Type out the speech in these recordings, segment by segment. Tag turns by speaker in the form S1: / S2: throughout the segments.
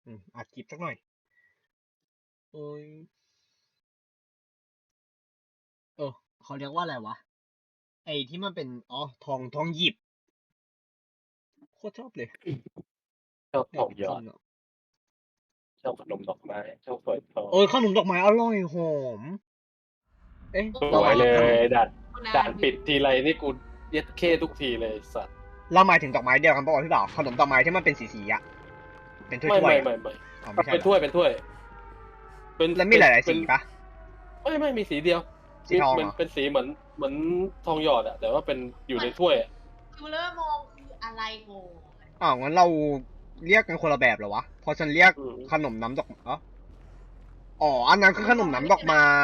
S1: อัดคลิปสักหน่อยโอ้ยเขาเรียกว่าอะไรวะไอ้ที่มันเป็นทองหยิบโคตรชอบเลย
S2: ชอบท
S1: อยาก
S2: องหยอด
S1: กินอ่ะ
S2: ชอบขนมดอกไม้ชอบฝอยทอง
S1: ขนมดอกไม้อร่อยหอม
S2: ส
S1: เรา
S2: วยเลยด่านปิด
S3: น
S2: ทีไรนี่กูเย็ดเข้ทุกทีเลยสัตว์
S1: เราหมายถึงดอกไม้เดียวกันป่าวพี่บ่าวขนมดอกไม้ที่มันเป็นสีๆอ่ะเป็นถ้วยๆอะ
S2: ไม่
S1: ไม่ใช่
S2: เป็นถ้วยเป็นถ้วยเป็น
S1: แล้วมีหลายๆสีปะ
S2: ไม่มีสีเดียว
S1: สีทองเหรอ
S2: เป็นสีเหมือนทองหยอดอะแต่ว่าเป็นอยู่ในถ้วยอะ
S3: คือเริ่มมองคืออะไรโง่
S1: งั้นเราเรียกกันคนละแบบเหรอวะเพราะฉันเรียกขนมน้ำดอกอันนั้นคือขนมน้ำดอกไม้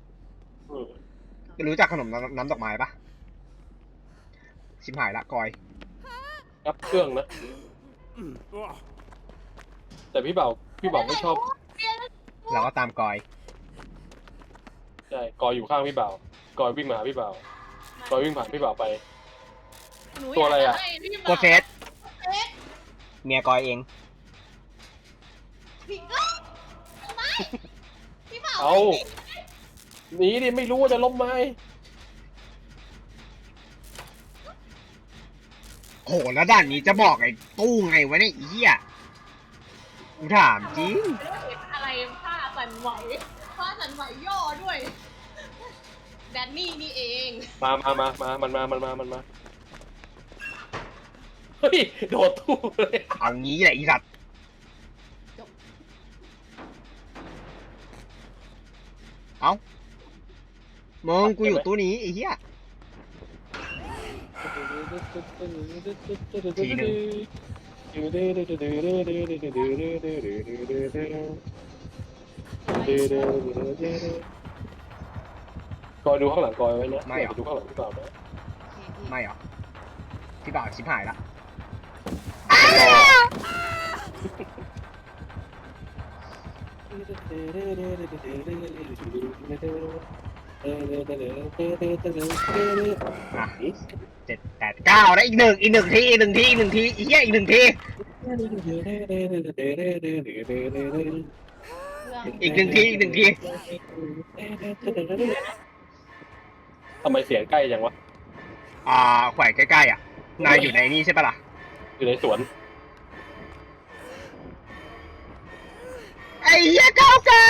S1: รู้จักขนมน้ำดอกไม้ปะชิมหายละกอย
S2: รับเครื่องนะแต่พี่เบาไม่ชอบ
S1: เราก็ตามกอย
S2: ใช่กอยอยู่ข้างพี่เบากอยวิ่งมาหาพี่เบากอยวิ่งผ่านพี่เบาไป ตัวอะไรอะ
S1: โกเฟสเมียกอยเอง
S3: พี่เผา
S2: เอาหนีดิไม่รู้ว่าจะล้มไหม
S1: โหแล้วด่านนี้จะบอกไอ้ตู้ไงวะเนี่ยอีอ่ะกูถามจริง
S3: อะไรผ้าสั่นไหวย่อด้วยแดนนี่นี่เอง
S2: มันมาเฮ้ยโดดตู้เลย
S1: เอางี้แหละอีสัตว์มึงกูอยู่ตู้นี้ไอ้เหี้ยทีหนึ่ง
S2: กอยดูข้างหลังกอยไว้นะ
S1: ไม่หรอ
S2: ดูข้างหลังพี่เปล่านะ
S1: ไม่หรอพี่บ่าวชิบหายละอ่ะ7 8 9แล้วอีกหนึ่งทีอีกหนึ่งทีอีเหี้ยอีกหนึ่งทีอีกหนึ่งที
S2: ทำไมเสียงใกล้จังวะ
S1: แขวนใกล้ๆอ่ะนายอยู่ในนี่ใช่ปะล่ะ
S2: อยู่ในสวน
S1: ไอ้เหี้ย99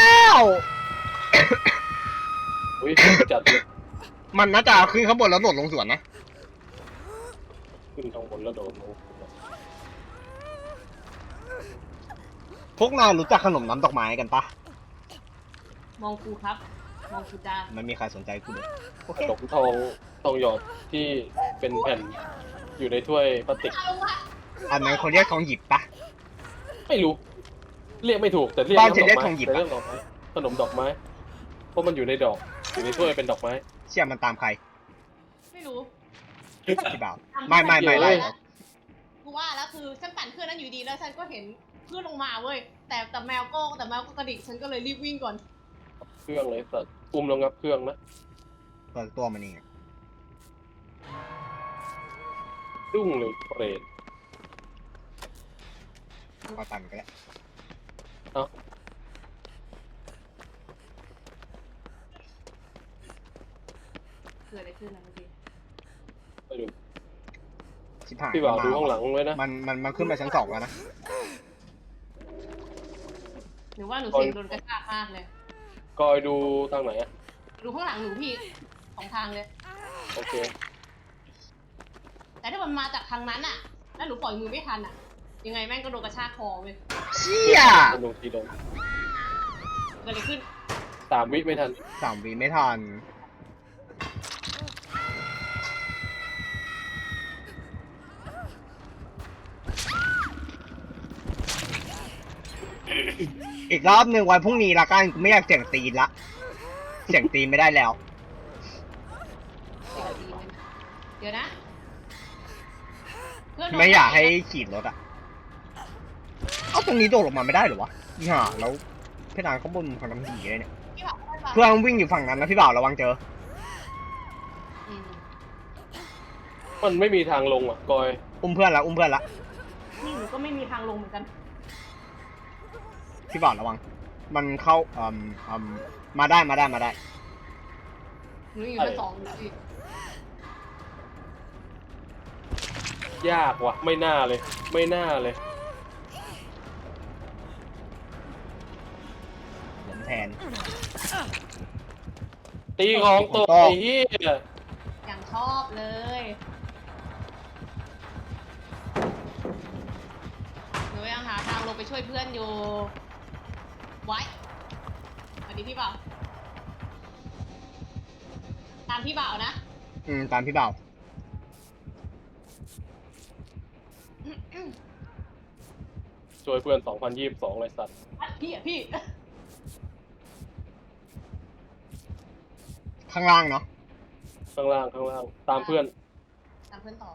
S2: อุ้ยจัดเลย
S1: มันน่าจะขึ้นข้างบนแล้วโดดลงสวนนะ
S2: ขึ้นข้างบนแล้วโดดลง
S1: พวกนายรู้จักขนมน้ำดอกไม้กันปะ
S3: มองกูครับมองกูจ้า
S1: ไม่มีใครสนใจกูเลยโอเค
S2: ขนมทองหยอดที่เป็นแผ่นอยู่ในถ้วยพลาสติก
S1: อันนั้นเขาเรียกทองหยิบปะ
S2: ไม่รู้ เรียกไม่ถูกแต่เรียก
S1: บ้านฉันเรียกทองหยิบ
S2: แต่เรียกดอกไม้ขนมดอกไม้เพราะมันอยู่ในดอกอยู่ในถ้วยเป็นดอกไม้
S1: เชื่อมันตามใคร
S3: ไม่รู้
S1: พี่บ่าวไม่
S3: กูว่าแล้วคือฉันปั่นเครื่องนั้นอยู่ดีแล้วฉันก็เห็นคลื่นลงมาเว้ยแต่แมวก็กระดิกฉันก็เลยรีบวิ่งก่อน
S2: เครื่องเลยสัตว์อุ้มแล้วงับเครื่องนะ
S1: เปิดตัวมันเองอะ
S2: ดุ้งเลยเปรต
S1: ก็ตันก็แล้ว
S3: เกิดอะไรขึ้นนะเมื่อกี้
S2: ไปดู
S1: ชิบหาย
S2: พี่บ่าวดูข้างหลังไว้นะ
S1: มันขึ้นไปชั้น 2แล้วนะ
S3: หรือว่าหนูเสียงโดนกระชากมากเลย
S2: กอยดูทางไหนอะ
S3: ดูข้างหลังหนูพี่สองทางเลย
S2: โอเค
S3: แต่ถ้ามันมาจากทางนั้นอะแล้วหนูปล่อยมือไม่ทันอะยังไงแม่งก็โดนกระชากคอเว้ย
S1: เชี่ย
S2: โดนทีโดน
S3: เกิดอะไรขึ้น
S2: 3 วิไม่ทัน
S1: 3 วิไม่ทันอีกรอบหนึ่งวันพรุ่งนี้ละกันกูไม่อยากเสียงตีนละเสียงตีนไม่ได้แล้ว
S3: เดี๋ยวนะเพื่น
S1: ไม่อยากให้ขีดรถอ่ะตรงนี้โดดลงมาไม่ได้เหรอวะอีห่าแล้วเพดานข้างบนฝั่งน้ำผีเลยเนี่ย
S3: พี่บอกให้ฟัง
S1: เพื่อนวิ่งอยู่ฝั่งนั้นนะพี่บ่าวระวังเจอ
S3: อืม
S2: มันไม่มีทางลงอ่ะกอย
S1: อุ้มเพื่อนละ
S3: นี่หนูก็ไม่มีทางลงเหมือนกัน
S1: พี่บ่าวระวัง มันเข้ามาได้
S3: หนูอยู่ชั้น2อยู่พี่
S2: ยากว่ะไม่น่าเลย ไม่น่าเลย
S1: ผมแทน
S2: ตีของตก
S1: ตก
S2: ไอ้เหี้ย
S3: อย่างชอบเลย หนูยังหาทางลงไปช่วยเพื่อนอยู่ ไว้สวัสดีพี่บ่าวตามพี่บ่าวนะ
S1: ตามพี่บ่าว
S2: ช่วยเพื่อน 2022เลยสัตว์
S3: พี่อ่ะพี่
S1: ข้างล่างเนาะ
S2: ข้างล่างตามเพื่อน
S3: ตามเพื่อนต่อ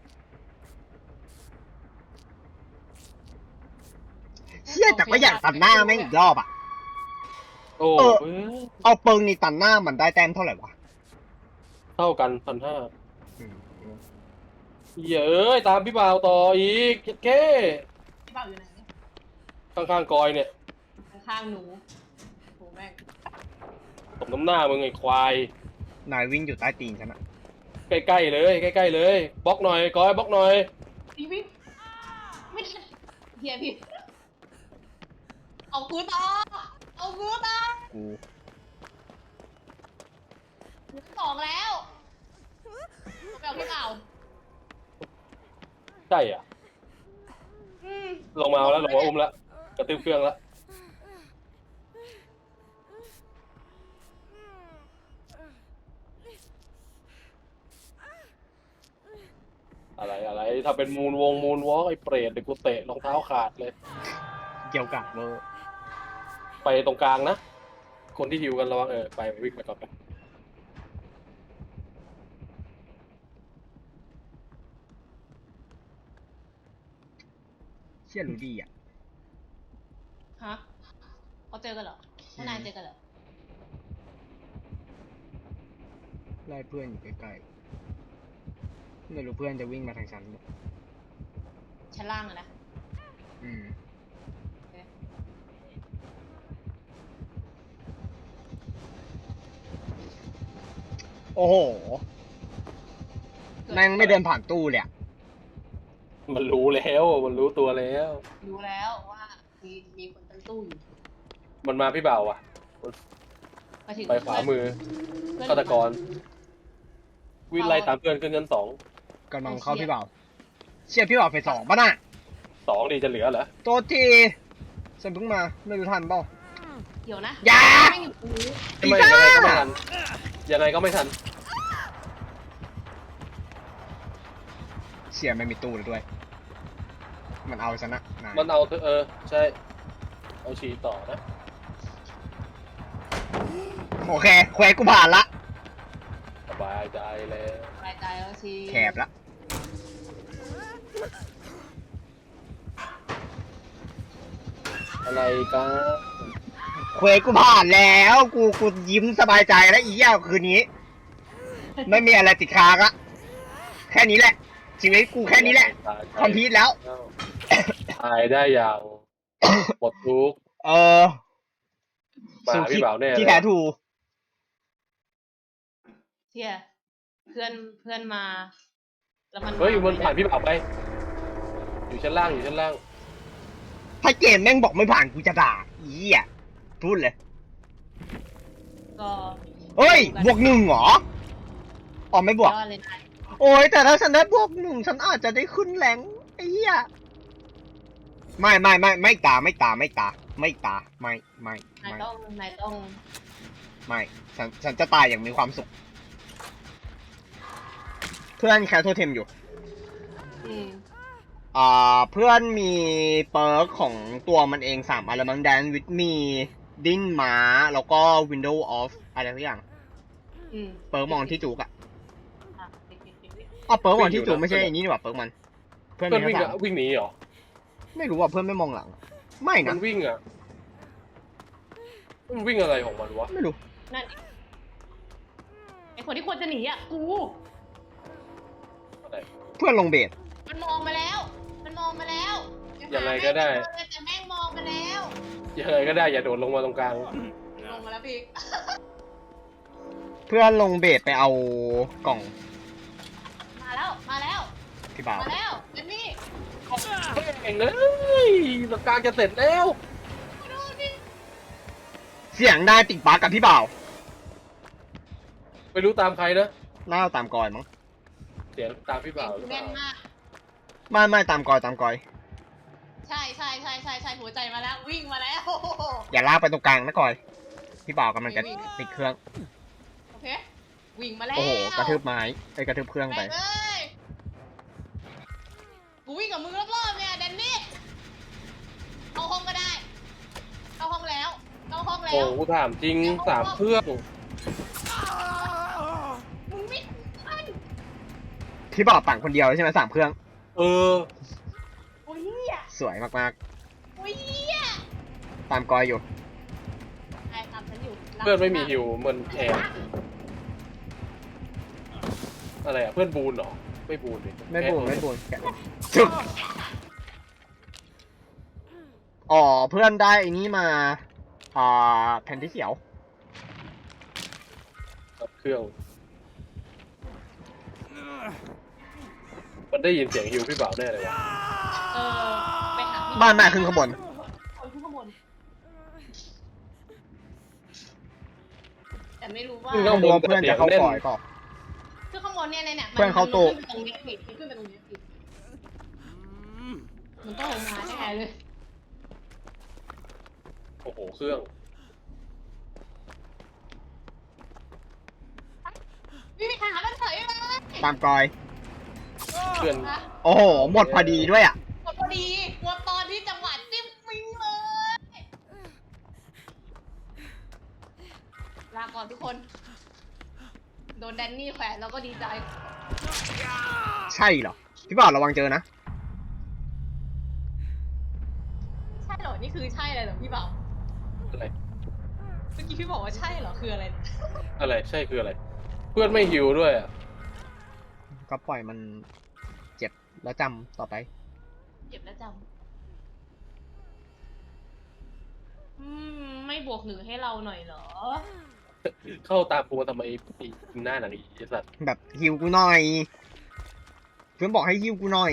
S1: เชี่ยแต่ก็อยากตัดหน้าแม่งอีกรอบอ่ะ
S2: โอ้
S1: เออ
S2: เว้ย
S1: เอาเปิงนี่ตัดหน้ามันได้แต้มเท่าไหร่วะ
S2: เท่ากัน1,500
S1: อืม
S2: เย้ยตามพี่บ่าวต่ออีกเก้
S3: พี่บ่าวอยู่ไหน
S2: ข้างๆกอยเนี่ย
S3: ข้างๆหนูโหแม่ง
S2: ตบน้ำหน้ามึงไอ้ควาย
S1: นายวิ่งอยู่ใต้ตีนฉันอะ
S2: ใกล้ๆเลยใกล้ๆเลยบล็อกหน่อยกอยบล็อกหน่อย
S3: พี่ไม่ได้เฮียพี่ เอากูต่อ เอากูต่อ
S1: กู
S3: หนู2แล้วไปเอาพี่บ่าว
S2: ใช่อ่ะ
S3: อืม
S2: ลงมาแล้วลงมาอุ้มแล้วกระตือเครื่องแล้วอะไรถ้าเป็นมูนวอล์กไอ้เปรตเดี๋ยวกูเตะรองเท้าขาดเลย
S1: เกี่ยวกับเวอร์
S2: ไปตรงกลางนะ คนที่ฮิวกันระวังไปวิ่งไปก่อนไป
S1: เชี่ยรู้ดีอ่ะ
S3: ฮะเขาเจอกันเหรอพวกนายเจอกันเหรอ
S1: ไล่เพื่อนอยู่ใกล้ๆไม่รู้เพื่อนจะวิ่งมาทางฉันหรือ
S3: ชั้นล่างอะนะ
S1: อืม
S3: โอเค
S1: โอ้โห แม่งไม่เดินผ่านตู้เลยอะ
S2: มันรู้แล้วมันรู้ตัวแล้ว
S3: รู้แล้วว่ามีคนตั้งตู้อยู่
S2: มันมาพี่บ่าวอ่ะ
S3: มาถึง
S2: ไปขวามือ
S3: เพื่อน
S2: ฆาตกรวิ่งไล่ตามเพื่อนขึ้นชั้น2
S1: กำลังเข้าพี่บ่าวเชี่ยพี่บ่าวไป2ป่ะน่ะ
S2: 2ดีจะเหลือเหรอ
S1: โทษทีฉันเพิ่งมาไม่รู้ทันเปล่า
S3: เดี๋ยวนะ
S1: อย่า
S3: ไม่อยู่ตรงนี้
S1: อี
S2: ไม่
S1: ซ่า
S2: ยังไงก็ไม่ทันยังไงก็ไม่ทัน
S1: เชี่ยไม่มีตู้เลยด้วย มันเอาฉันนะนาย
S2: มันเอาใช่เอาฉีต่อนะ
S1: โอเคแควกูผ่านละ
S2: สบายใจแล้ว
S3: สบายใจแล้วชี
S1: แคบละ
S2: อะไรกัน
S1: แควกูผ่านแล้วกูยิ้มสบายใจแล้วอีเหี้ยคืนนี้ ไม่มีอะไรติดค้างละแค่นี้แหละ ชีวิตกูแค่นี้แหละคอมพิวต์แล้ว
S2: ตายได้อย่างหมดทุกข์ มาพี่บ่าวแน่
S1: ที่แท้ถู
S3: เที่ยเพื่อนมาแล้วมัน
S2: เฮ้ยมันผ่านพี่บ่าวไป อยู่ชั้นล่างอยู่ชั้นล่าง
S1: ถ้าเกมแม่งบอกไม่ผ่านกูจะด่าอีเหี้ยพูดเลย
S3: ก็
S1: เฮ้ยบวก1เหรออ๋อไม่บวก
S3: ยอดเลยนาย
S1: โอ้ยแต่ถ้าฉันได้บวก1ฉันอาจจะได้ขึ้นแรงไอ้เหี้ยไม่ตาไม่
S3: นายต้อง
S1: ไม่ฉันจะตายอย่างมีความสุข เพื่อนแคทโทเทมอยู่
S3: อืม
S1: เพื่อนมีเปิร์กของตัวมันเอง3อันละมั้งแดนวิดมีดิ้นม้าแล้วก็ Window of อะไรทุกอย่าง
S3: อืม
S1: เปิร์กมองที่จุกอะ
S3: อ่ะ
S1: เปิร์กมองที่จุกไม่ใช่อันนี้นี่หว่าเปิร์กมัน เพื่อน
S2: เพื่อน
S1: มี
S2: วิ่ง
S1: แค่
S2: อะ
S1: สาม
S2: วิ่งหนีเหรอ
S1: ไม่รู้ว่าเพื่อนไม่มองหลัง ไม่
S2: มั
S1: นะ
S2: นวิ่งอะมันวิ่งอะไรของมันวะ
S1: ไม่รู้
S3: นั่นไอคนที่ควรจะหนีอ่ะกู
S2: อะไร
S1: เพื่อนลงเบส
S3: มันมองมาแล้ว
S2: ยังไงก็ได้
S3: แต่แม่งมองมาแล้ว
S2: ยังไงก็ได้อย่าโดดลงมาตรงกลาง
S3: ลงมาแล้วพี่
S1: เพื่อนลงเบสไปเอากล่อง
S3: มาแล้วมาแล้ว
S1: พี่บ่าว
S3: มาแล้วเจนนี่
S2: เก่งเลยตรงกลางจะเสร็จแล้ว
S3: ดูดิ
S1: เสียงได้ติดบั๊กกับพี่บ่าว
S2: ไม่รู้ตามใครนะ
S1: น่าเอาตามกอยมั้ง
S2: เสียงตามพี่บ่าวหรือเป
S3: แน่น
S2: ล่า
S3: มาก
S1: ไม่ตามกอยตามกอย
S3: ใช่หัวใจมาแล้ววิ่งมาแล้ว
S1: อย่าลากไปตรงกลางนะกอย พี่บ่าวกำลังจะติดเครื่อง
S3: โอเควิ่งมาแล้ว
S1: โอ้โหกระทืบไม้ไอ้ยกระทืบเครื่องไป
S3: ไปเลยกูวิ่งกับมึงรอบๆเนี่ยแดนนี่เข้าห้องก็ได้เข้าห้องแล้วเข้าห้องแล้
S2: โอ้
S3: ว
S2: กูถามจริง3 เครื่อง
S3: มึงไม่ทัน
S1: พี่บ่าวปั่นคนเดียวใช่ไหม3 เครื่อง
S2: เออ
S3: โอ้ยเหี้ย
S1: สวยมาก
S3: โอ้ยเหี้ย
S1: ๆ ตามกอยอยู่
S3: ใช่ครับฉันอยู่
S2: เพื่อนไม่มีฮิวมันแอบอะไรอ่ะเพื่อนบูนเหรอไม่บูนดิ
S1: ไม่บูนจุบอ๋อเพื่อนได้ไอ้นี้มาแผ่นที่เขียว
S2: เครื่อง มันได้ยินเสียงฮิวพี่บ่าวแน่เลยวะ
S3: เออไปหาพี่
S1: บ้านแม่ขึ้นข้างบน
S3: ขึ้นข้างบนแต่ไม่รู้ว่า
S2: ขึ้น
S1: ไม่
S2: ข้างบ
S1: รู้
S2: น
S1: ว่าเพื่อนจะเข้า
S2: แต่
S1: ก่
S2: สี
S1: อย
S2: ยง
S1: เปล่า
S3: คือข้างบนเนี่ยเนี่ย
S1: เพื่อนเข้าตู้
S3: มันขึ้นไปตรงนี้ผิดมันขึ้นไปตรงนี้ผิดมันต้องลงมาแน่เลย
S2: โอ้โหเครื่อง
S3: วิ่งไปหามันเฉยเลย
S1: ตามกอย
S2: เพื่อน
S3: นะ
S1: โอ้โห หมดพอดีด้วยอ่ะ
S3: หมดพอดีหมดตอนที่จังหวะจิ้มฟิงเลยลาก่อนทุกคน โดนแดนนี่แขวนแล้วก็ดีใจ
S1: ใช่เหรอ พี่บ่าวระวังเจอนะ
S3: ใช่เหรอ นี่คือใช่เลยเหรอพี่เบา
S2: อะไร
S3: เมื่อกี้พี่บอกว่าใช่เหรอ คืออะไร
S2: อะไรใช่คืออะไร เพื่อนไม่ฮิวด้วยอ่ะ
S1: ก็ปล่อยมันเจ็บแล้วจำต่อไป
S3: เจ็บแล้วจำไม่บวกหนึ่งให้เราหน่อยเหรอ
S2: เข้าตามกูมาทำไมปีหน้าหนังอีไอ้สัตว์
S1: แบบฮิวกูหน่อย เพื่อนบอกให้ฮิวกูหน่อย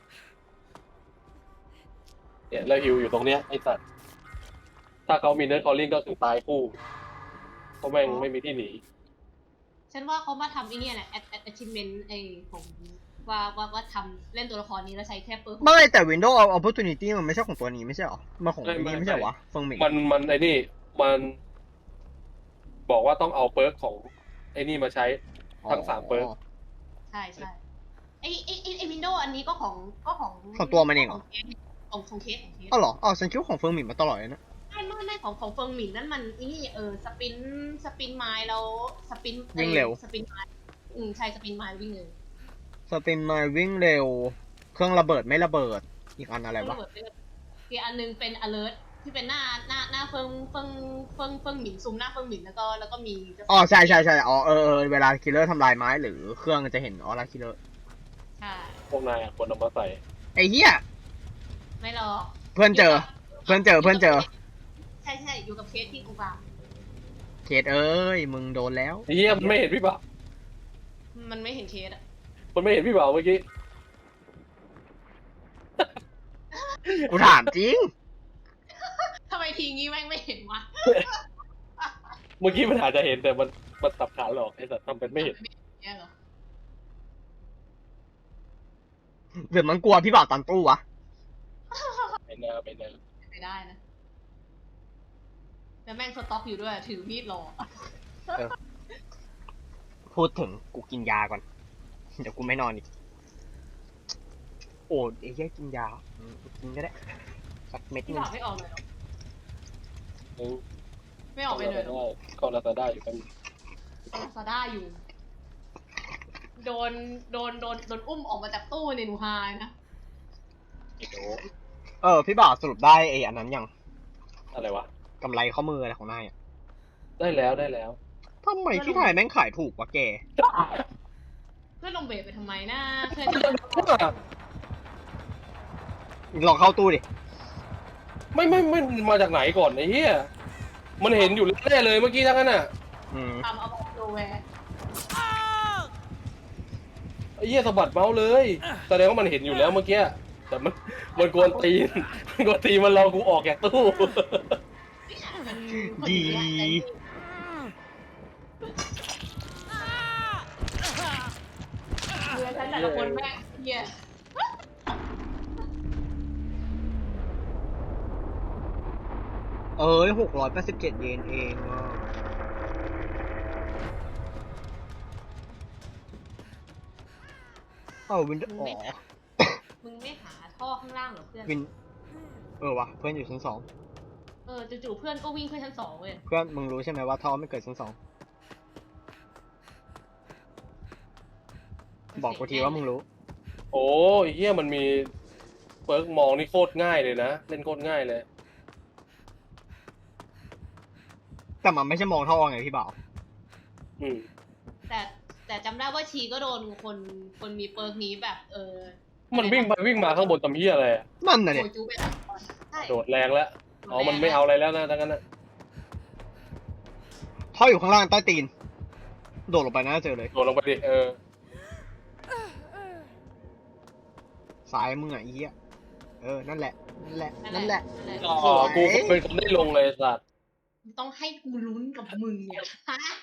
S2: เนี่ยแล้วฮิวอยู่ตรงเนี้ยไอ้สัตว์ถ้าเขามีเนิร์ดคอลลิ่งก็คือตายคู่เพราะแม่งไม่มีที่หนี
S3: ฉันว่าเขามาทำไอ้เนี่ยแหละ achievement ไอ้ผมว่าทำเล่นตัวละครนี้แล้วใช้แค่เปิร์
S1: ไม่แต่ Windows Opportunity มันไม่ใช่ของตัวนี้ไม่ใช่เหรอมันของนี้ไม่ใช่เหรอวะเฟิงหมิง
S2: มันไอ้นี่มันบอกว่าต้องเอาเปิร์กของไอ้นี่มาใช้ทั้ง3 เปิร์ก
S3: ใช่ไอ้วินโดว์อันนี้ก็ของ
S1: ของตัวมันเองเหรอ
S3: ของเคส
S1: อ้าวเหรออ้าวฉันคิดว่าของเฟิงหมิงมาตลอดเลยนะ
S3: ไม่ของเฟิงหมินนั่นมันนี่สปินไมล์แล้วสปิน
S1: วิ่งเร็ว
S3: สปินไมล์ใช่สปินไมล์วิ่งเร็ว
S1: สปินมาวิ่งเร็ว เครื่องระเบิดไม่ระเบิด อีกอันอะไรวะ
S3: อีกอันนึงเป็น alert ที่เป็นหน้าเฟิงหมินซูมหน้าเฟิงหมินแล้วก็มี
S1: อ๋อใช่อ๋อเวลาคิลเลอร์ทำลายไม้หรือเครื่องจะเห็นออร่าคิลเลอร์
S3: ใช่
S2: พวกนายอะควรเอามาใส่
S1: ไอ้เหี้ย
S3: ไม่หรอก
S1: เพื่อนเจอ
S3: ใช่อยู่กับเคสที่กูกลาง
S1: เคสเอ้ยมึงโดนแล้ว
S2: ไอ้เหี้ยมันไม่เห็นพี่บ่าว
S3: มันไม่เห็นเคสอะ
S2: มันไม่เห็นพี่บ่าวเมื่อกี้
S1: กูถามจริง
S3: ทำไมทีงี้แม่งไม่เห็นวะ
S2: เมื่อกี้มันอาจจะเห็นแต่มันสับขาหลอกไอ้สัตว์ทำเป็นไม่เห็น
S3: เนี่ยเหรอ
S1: หรือมันกลัวพี่บ่าวตันตู้วะ
S2: ไม่น่า
S3: ไม่ได้นะแล้วแม่งสต็อกอยู่ด้วยถือมีดรอ
S1: พูดถึงกูกินยาก่อน เดี๋ยวกูไม่นอนอีก โอ้ไอ้เหี้ยกินยากินก็ได้ สักเม็ด
S3: พี่
S1: นึ
S3: บ
S1: ง
S3: อกไม่ออกเลยเหรอ
S2: เออ
S3: ไม่ออกไปเลยเหรอ
S2: ก็ลาซาด้าอยู่กัน
S3: ซาด้าอยู่ โดนอุ้มออกมาจากตู้ในหนูฮายนะ
S2: กิโล
S1: พี่บ่าวสรุปได้ไอ้อันนั้นยัง
S2: อะไรวะ
S1: กำไรข้อมืออะไรของนายอ่ะ
S2: ได้แล้ว
S1: ทำไมที่ไทยแม่งขายถูกวะแก
S3: เพื่อนลงเบสไปทำไมนะเพื่อน
S1: ลองเข้าตู้ดิ
S2: ไม่มาจากไหนก่อนไอ้เหี้ยมันเห็นอยู่แน่เลยเมื่อกี้ทั้งนั้นน่ะ
S3: ทำเอาบอกโดแวร์
S2: ไอ้เหี้ยสะบัดเมาส์เลยแสดงว่ามันเห็นอยู่แล้วเมื่อกี้แต่มันกวนตีนมันกวนตีนมันรอกูออกจากตู้
S1: ดี
S3: เรือฉันแต่ละคนแม่งเฮีย
S1: 687 เยนเองอ่ะวินอ๋อ
S3: มึงไม่หาท่อข้างล่างเหรอเพื่อน
S1: วินวะเพื่อนอยู่ชั้น 2
S3: จู่ๆเพื่อนก็วิ่งขึ้นชั้น2เว้ย
S1: เพื่อนมึงรู้ใช่ไหมว่าท่อไม่เกิดชั้น 2บอกกูทีว่ามึงรู้
S2: โอ้ยเหี้ยมันมีเปิร์กมองนี่โคตรง่ายเลยนะเล่นโคตรง่ายเลย
S1: แต่มันไม่ใช่มองท่อไงพี่บ่าว
S2: อืม
S3: แต่จำได้ว่าชีก็โดนคนมีเปิร์กนี้แบบ
S2: มันวิ่งไปวิ่งมาข้างบนตำเหี้ยอะไรอะ
S1: นั่นน่ะเนี่ย
S3: โจจูไปแล้วใช่
S2: โดดแรงแล้วอ๋อมันไม่เอาอะไรแล้วนะทั้งนั้นนะ
S1: ท่ออยู่ข้างล่างใต้ตีน โดดลงไปน่าจะเจอเลย
S2: โดดลงไปดิ
S1: ซ้ายมึงอ่ะไอ้เหี้ยนั่นแหละ นั่นแหละ นั่นแหละ
S2: อ๋อกูเป็นคนได้ลงเลยสัตว์
S3: ต้องให้กูลุ้นกับมึงเนี่ยฮะ